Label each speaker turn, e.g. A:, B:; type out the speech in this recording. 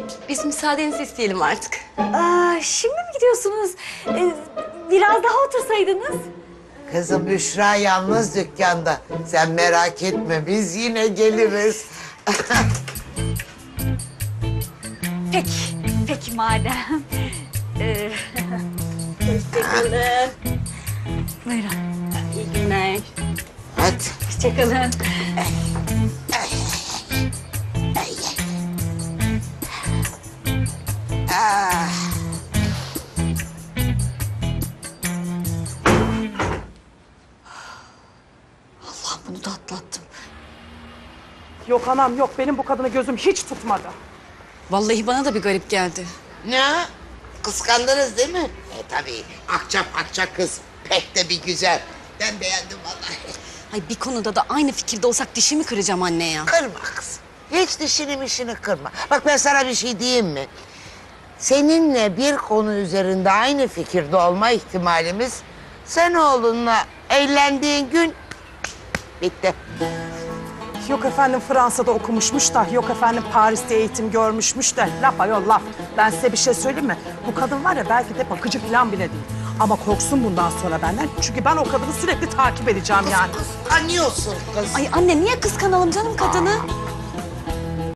A: Biz müsaadenizi isteyelim artık.
B: Şimdi mi gidiyorsunuz? Biraz daha otursaydınız.
C: Kızım Büşra yalnız dükkanda. Sen merak etme, biz yine geliriz.
B: Peki madem. Hoşçakalın. Buyurun. İyi günler.
C: Hadi.
B: Hoşçakalın.
A: Allah bunu da atlattım.
D: Yok anam yok, benim bu kadını gözüm hiç tutmadı.
A: Vallahi bana da bir garip geldi.
C: Ne? Kıskandınız değil mi? Tabii. Akçap akçap kız. Pek de bir güzel. Ben beğendim vallahi.
A: Ay bir konuda da aynı fikirde olsak dişimi kıracağım anne ya.
C: Kırma kızım. Hiç dişini mişini kırma. Bak ben sana bir şey diyeyim mi? Seninle bir konu üzerinde aynı fikirde olma ihtimalimiz... ...sen oğlunla evlendiğin gün bitti.
D: Yok efendim Fransa'da okumuşmuş da, yok efendim Paris'te eğitim görmüşmüş de. Laf ayol laf. Ben size bir şey söyleyeyim mi? Bu kadın var ya belki de bakıcı falan bile değil. Ama korksun bundan sonra benden. Çünkü ben o kadını sürekli takip edeceğim yani.
C: Kıskanıyorsun kız.
A: Ay anne niye kıskanalım canım kadını?